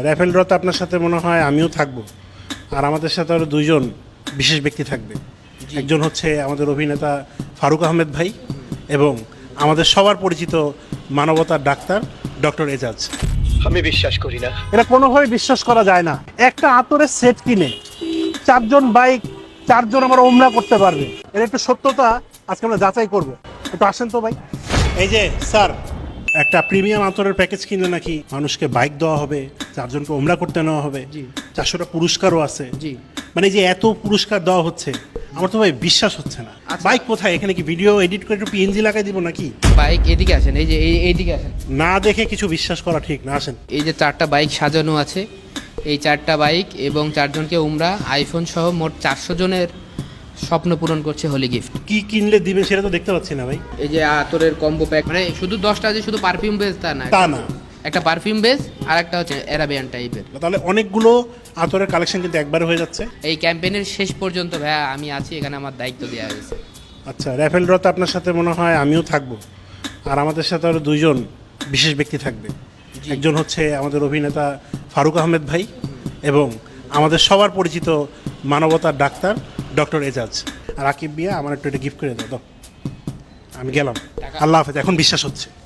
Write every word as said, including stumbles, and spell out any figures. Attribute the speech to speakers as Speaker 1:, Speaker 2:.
Speaker 1: Raffle ড্রতে আপনার সাথে মনে হয় আমিও থাকবো, আর আমাদের সাথে আরও দুইজন বিশেষ ব্যক্তি থাকবে। একজন হচ্ছে আমাদের অভিনেতা ফারুক আহমেদ ভাই এবং আমাদের সবার পরিচিত মানবতার ডাক্তার ডক্টর এজাজ।
Speaker 2: আমি বিশ্বাস করি না।
Speaker 1: এটা কোনোভাবে বিশ্বাস করা যায় না, একটা আতরের সেট কিনে চারজন বাইক চারজন আমরা ওমরা করতে পারবে, এর একটু সত্যতা আজকে আমরা যাচাই করব। একটু আসেন তো ভাই। এই যে স্যার, একটা প্রিমিয়াম আতরের প্যাকেজ কিনলে নাকি মানুষকে বাইক দেওয়া হবে, চারজনকে ওমরা করতে নেওয়া হবে, চারশোটা পুরস্কারও আছে।
Speaker 3: জি।
Speaker 1: মানে যে এত পুরস্কার দেওয়া হচ্ছে, আমার তো ভাই বিশ্বাস হচ্ছে না। বাইক কোথায়? এখানে কি ভিডিও এডিট করে একটু পিএনজি লাগাই দিব নাকি?
Speaker 3: বাইক এদিকে আসেন, এই যে এই এইদিকে আসেন।
Speaker 1: না দেখে কিছু বিশ্বাস করা ঠিক না, আসেন।
Speaker 3: এই যে চারটা বাইক সাজানো আছে, এই চারটা বাইক এবং চারজনকে উমরা আইফোন সহ মোট চারশো জনের স্বপ্ন পূরণ করছে হোলি গিফট।
Speaker 1: কি কিনলে দিবেন সেটা তো দেখতে পাচ্ছি না ভাই।
Speaker 3: এই যে আতরের কম্বো প্যাক, মানে শুধু দশটা যে শুধু পারফিউম বেস তা না,
Speaker 1: তা না,
Speaker 3: একটা পারফিউম বেস আর একটা হচ্ছে অ্যারাবিয়ান টাইপের।
Speaker 1: তাহলে অনেকগুলো আতরের কালেকশন কিন্তু একবারে হয়ে যাচ্ছে।
Speaker 3: এই ক্যাম্পেইনের শেষ পর্যন্ত ভাইয়া আমি আছি এখানে, আমার দায়িত্ব দেওয়া হয়েছে।
Speaker 1: আচ্ছা, র্যাফেল ড্রতে আপনার সাথে মনে হয় আমিও থাকবো, আর আমাদের সাথে আরও দুইজন বিশেষ ব্যক্তি থাকবে। একজন হচ্ছে আমাদের অভিনেতা ফারুক আহমেদ ভাই এবং আমাদের সবার পরিচিত মানবতার ডাক্তার ডক্টর এজাজ। আর আকিব বিয়া আমার একটু এটা গিফট করে দাও। দাও, আমি গেলাম, আল্লাহ হাফেজ। এখন বিশ্বাস হচ্ছে।